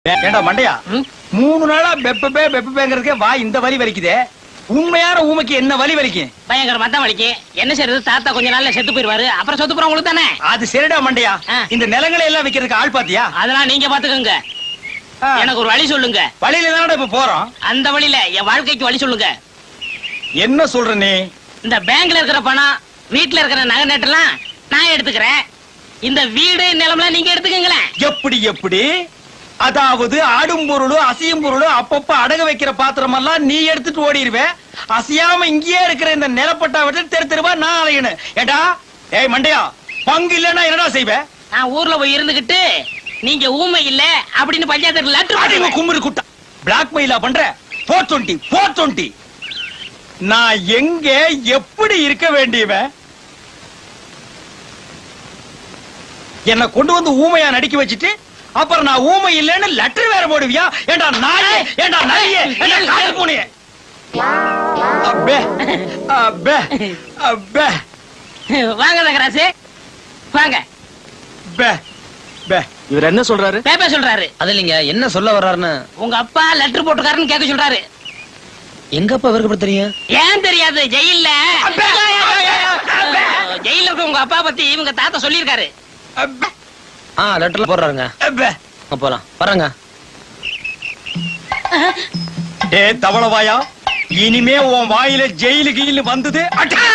ஏண்டா மண்டையா 3 நாளா பெப்பேங்கிறதுக்கே வா இந்த வலி வலிக்குதே. உண்மையான ஊமைக்கு என்ன வலி வலிக்கும்? பயங்கரமா தான் வலிக்கும். என்ன செய்யறது, தாத்தா கொஞ்ச நாள்ல செத்து போயிருவாரு, அப்புறம் சொத்து போற உங்களுக்கு தானே. அது சரிடா மண்டையா, இந்த நிலங்களை எல்லாம் விக்கிறதுக்கு ஆள் பாத்தியா? அதெல்லாம் நீங்க பாத்துக்கோங்க. எனக்கு ஒரு வழி சொல்லுங்க. வழியில தானடா இப்ப போறோம். அந்த வழியில என் வாழ்க்கைக்கு வழி சொல்லுங்க. என்ன சொல்ற நீ? இந்த பேங்க்ல இருக்கிற பணம், வீட்டுல இருக்கிற நகை நட்டெல்லாம் நான் எடுத்துக்கிறேன். இந்த வீடு நிலம்லாம் நீங்க எடுத்துக்கங்களேன். எப்படி எப்படி? அதாவது ஆடும் பொருளும் அசையும் பொருளும் அப்பப்ப அடகு வைக்கிற பாத்திரம் எல்லாம் நீ எடுத்துட்டு ஓடிடுவேன். அசையாம இங்கேயே இருக்கிற இந்த நிலப்பட்டா விட்டு தெரு தெருவா நான் அலையணும். ஏடா ஏய் மண்டையா, பங்கு இல்லன்னா என்னடா செய்வேன்? நான் ஊர்ல போய் இருந்துகிட்டு நீங்க ஊமை இல்ல அப்படின்னு பஞ்சாயத்து லெட்டர் கும்பிடு குட்டா பிளாக் மெயிலா பண்ற. 420 நான் எங்க எப்படி இருக்க வேண்டியவன்? என்ன கொண்டு வந்து ஊமையா நடிக்க வச்சுட்டு அப்புறம் நான் ஊமை இல்லன்னு லெட்டர் வேற போடுவியா? ஏண்டா நாயே, ஏண்டா நாயே, ஏண்டா கால் பூனையே. அப்பே அப்பே அப்பே வாங்க தகராசு வாங்க. பே பே இவர் என்ன சொல்றாரு? பேப்ப சொல்றாரு. அது இல்லைங்க, என்ன சொல்ல வர்றாருன்னு. உங்க அப்பா லெட்டர் போட்டுக்காருன்னு கேட்க சொல்றாரு. எங்க அப்பா இவருக்கு எப்படி தெரியும்? ஏன் தெரியாது? ஜெயில்ல ஜெயில இருக்க உங்க அப்பா பத்தி இவங்க தாத்தா சொல்லிருக்காரு. லெட்டர்ல போடுறாருங்க. போலாம் வர்றாங்க. ஏ தவளவாயா, இனிமே உன் வாயில ஜெயிலு கீழ் வந்தது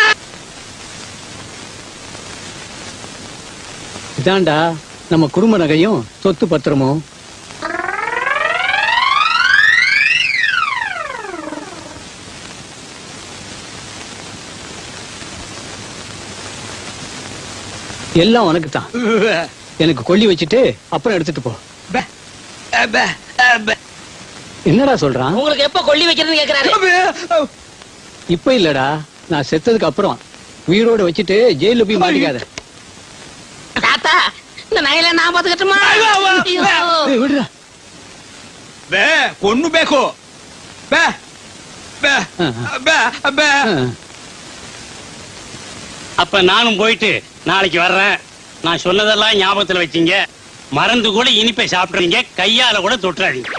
இதாண்டா நம்ம குடும்ப நகையும் சொத்து பத்திரமும். எல்லாம் உனக்கு தான். எனக்கு கொல்லி வச்சுட்டு அப்புறம் எடுத்துட்டு போ. என்னடா சொல்றான்? உங்களுக்கு எப்ப கொல்லி வைக்கிறதுன்னு கேக்குறாரு. இப்ப இல்லடா, நான் செத்ததுக்கு அப்புறம் உயிரோட வச்சுட்டு ஜெயில போய் மாட்டிக்காத. தாத்தா, இந்த நகையில நான் பாத்துக்கட்டுமா? விடுறா. பே பொண்ணு பேக்கோ பே பே பே பே. அப்ப நானும் போயிட்டு நாளைக்கு வர்றேன். நான் சொன்னதெல்லாம் ஞாபகத்துல வச்சீங்க. மறந்து கூட இனிப்பை சாப்பிடுறீங்க, கையால கூட தொட்டுறாதீங்க.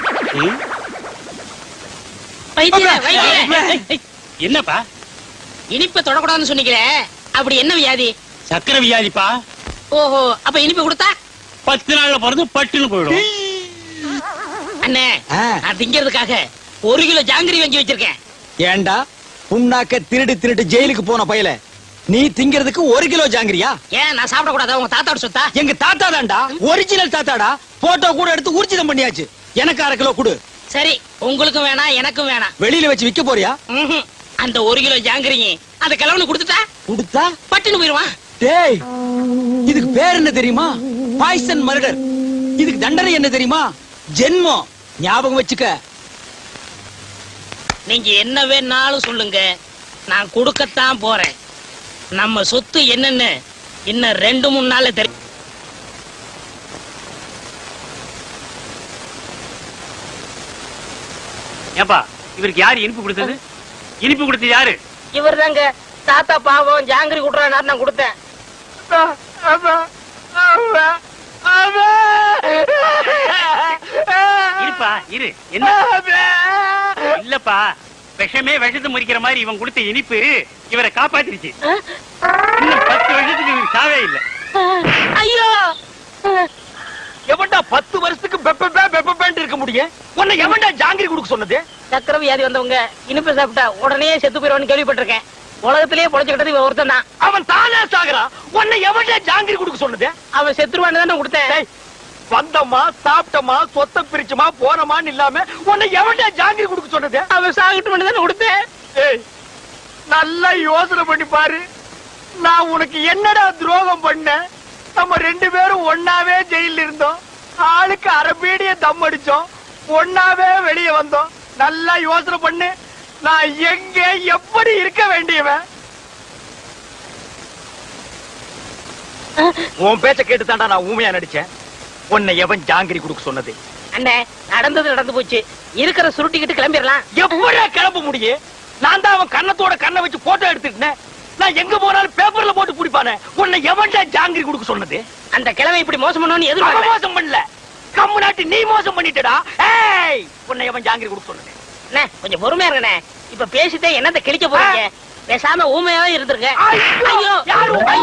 என்னப்பா இனிப்பை தொடக்கூடாதுன்னு சொன்னீங்களே, அப்படி என்ன வியாதி? சக்கரை வியாதிப்பா. ஓஹோ, அப்ப இனிப்பு கொடுத்தா 10 நாள்ல பிறந்து பட்டுன்னு போயிடும். அண்ணே, நான் திங்கிறதுக்காக 1 கிலோ ஜாங்கிரி வாங்கி வச்சிருக்கேன். ஏண்டா புண்ணாக்க திருடு திருடு ஜெயிலுக்கு போன பயல, நீ திங்கிறதுக்கு 1 கிலோ ஜாங்கிரியா? ஏன் நான் சாப்பிட கூடாதா? உங்க தாத்தாவோட சொத்தா? எங்க தாத்தா தான்டா, ஒரிஜினல் தாத்தாடா. போட்டோ கூட எடுத்து ஊர்ஜிதம் பண்ணியாச்சு. எனக்கு 1/2 கிலோ கொடு. சரி, உங்களுக்கும் வேணாம் எனக்கும் வேணாம். வெளியில வச்சு விக்க போறியா? அந்த 1 கிலோ ஜாங்கிரிங்க அந்த கிழவனு கொடுத்துட்டா கொடுத்தா பட்டுன்னு போயிருவான். டேய், இதுக்கு பேர் என்ன தெரியுமா? Poison murder. இதுக்கு தண்டனை என்ன தெரியுமா? ஜென்மம். ஞாபகம் வச்சுக்க. நீங்க என்ன வேணாலும் சொல்லுங்க, நான் கொடுக்கத்தான் போறேன். நம்ம சொத்து என்னன்னு இன்னும் 2-3 நாள்ல தெரியும். ஏப்பா, இவருக்கு யாரு இனிப்பு கொடுத்தது? இனிப்பு கொடுத்தது யாரு? இவர் தாங்க. தாத்தா பாவம் ஜாங்கிரி குடுறாரு, நான் கொடுத்தேன். இருப்பா இரு. என்ன இல்லப்பா, விஷமே விஷத்தை முறிக்கிற மாதிரி இவன் கொடுத்த இனிப்பு இவரை காப்பாத்திருச்சு. இன்னும் 10 வருஷத்துக்கு இவருக்கு சாவே இல்ல. ஐயோ, எவன்டா 10 வருஷத்துக்கு பெப்பேன்னு இருக்க முடியும்? உன்னை எவன்டா ஜாங்கிரி கொடுக்க சொன்னது? சக்கரை வியாதி வந்தவங்க இனிப்பு சாப்பிட்டா உடனே செத்து போயிருவான்னு கேள்விப்பட்டிருக்கேன். உலகத்திலேயே பொழைச்சுக்கிட்டது இவன் ஒருத்தன் தான். அவன் தானே சாகுறான். உன்னை எவன்டா ஜாங்கிரி கொடுக்க சொன்னது? அவன் செத்துருவான்னு தானே கொடுத்தேன். வந்தமா சாப்பிட்டமா சொத்தை பிரிச்சுமா போனமான்னு இல்லாம உன்னை எவன்டா ஜாங்கிரி கொடுக்க சொன்னது? அவன் சாகிட்டு தானே கொடுத்தேன். ஏய், நல்லா யோசனை பண்ணி பாரு. நான் உனக்கு என்னடா துரோகம் பண்ண? நம்ம 2 பேரும் ஒன்னாவே ஜெயில இருந்தோம். ஆளுக்கு அரபீடிய தம் அடிச்சோம். ஒன்னாவே வெளியே வந்தோம். நல்லா யோசனை பண்ணு. நான் எங்க எப்படி இருக்க வேண்டியவன்? உன் பேச்ச கேட்டு தாண்டா நான் ஊமையா நடிச்சேன். உன்னை எவன் ஜாங்கிரி கொடுக்க சொன்னது? அண்ணே, நடந்தது நடந்து போச்சு. இருக்கிற சுருட்டிக்கிட்டு கிளம்பிடலாம். எப்படியா கிளம்ப முடியும்? நான் தான் அவன் கண்ணத்தோட கண்ணை வச்சு போட்டோ எடுத்துக்கிட்டேன். நான் எங்க போனாலும் பேப்பர்ல போட்டு பிடிப்பானே. உன்னை எவன்டா ஜாங்கிரி கொடுக்க சொன்னது? அந்த கிழமை இப்படி மோசம் பண்ணணும்னு எதிர்பார்க்கல. மோசம் பண்ணல. கம்முனாட்டி நீ மோசம் பண்ணிட்டடா. ஏய் உன்னை எவன் ஜாங்கிரி கொடுக்க சொன்னது? அண்ணே கொஞ்சம் பொறுமையா இருக்கண்ணே. இப்ப பேசிட்டே என்னத்த கிழிக்க போறீங்க? பேசாம ஊமையாவே இருந்திருக்க. ஐயோ ஐயோ யாரு